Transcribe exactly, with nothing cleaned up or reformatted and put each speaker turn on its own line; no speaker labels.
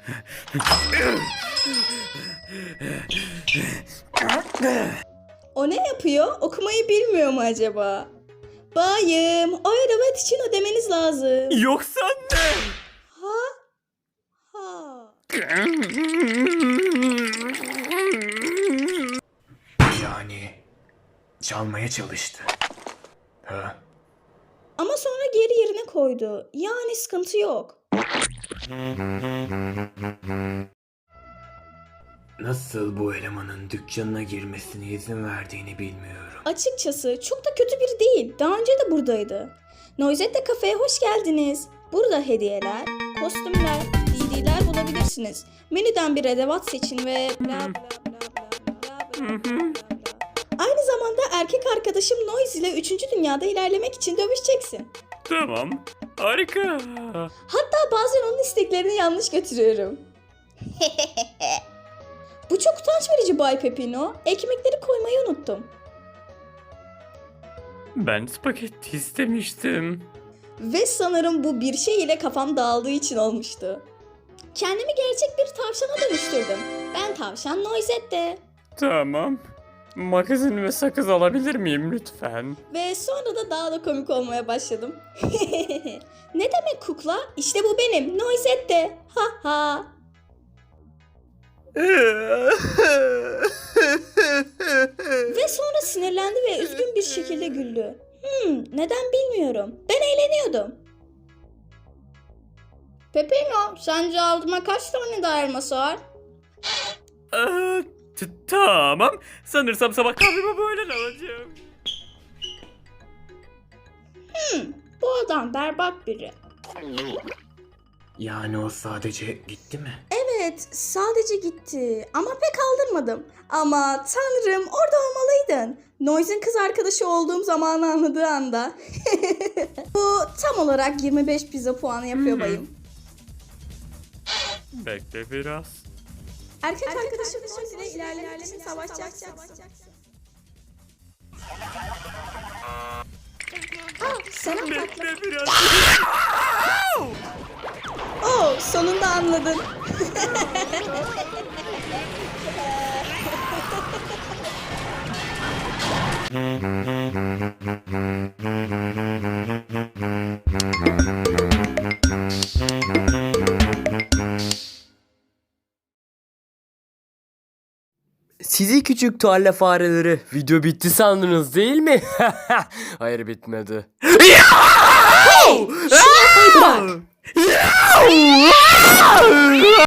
O ne yapıyor? Okumayı bilmiyor mu acaba? Bayım, o arabat için ödemeniz lazım.
Yoksa ne?
Ha? Ha.
Yani çalmaya çalıştı. Ha?
Ama sonra geri yerine koydu. Yani sıkıntı yok.
Nasıl bu elemanın dükkanına girmesine izin verdiğini bilmiyorum.
Açıkçası çok da kötü biri değil. Daha önce de buradaydı. Noisette kafeye hoş geldiniz. Burada hediyeler, kostümler, D D'ler bulabilirsiniz. Menüden bir edevat seçin ve bla bla bla bla bla bla bla bla. Aynı zamanda erkek arkadaşım Noise ile üçüncü dünyada ilerlemek için dövüşeceksin.
Tamam. Harika.
Hatta bazen onun isteklerini yanlış götürüyorum. Bu çok utanç verici Bay Pepino. Ekmekleri koymayı unuttum.
Ben spagetti istemiştim.
Ve sanırım bu bir şey ile kafam dağıldığı için olmuştu. Kendimi gerçek bir tavşana dönüştürdüm. Ben tavşan Noisette.
Tamam. Magazin ve sakız alabilir miyim lütfen?
Ve sonra da daha da komik olmaya başladım. Ne demek kukla? İşte bu benim Noisette. Ha ha. Ve sonra sinirlendi ve üzgün bir şekilde güldü. Hmm, neden bilmiyorum. Ben eğleniyordum. Pepino, sence aldıma kaç tane daha elması var?
Ee, t- tamam. Sanırsam sabah kahvemi böyle alacağım.
Hmm, bu adam berbat biri.
Yani o sadece gitti mi?
Evet, sadece gitti ama pek aldırmadım. Ama tanrım, orada olmalıydın. Noise'in kız arkadaşı olduğum zamanı anladığı anda. Bu tam olarak yirmi beş pizza puanı yapıyor bayım.
Bekle biraz.
Erkek, Erkek arkadaşım Noise ile ilerlemek için savaşacaksın. Aa, sen tatlı.
Bekle biraz.
Oo, sonunda anladın.
Sizi küçük tarla fareleri, video bitti sandınız değil mi? Hayır, bitmedi.
Şunu yapmayı bırak.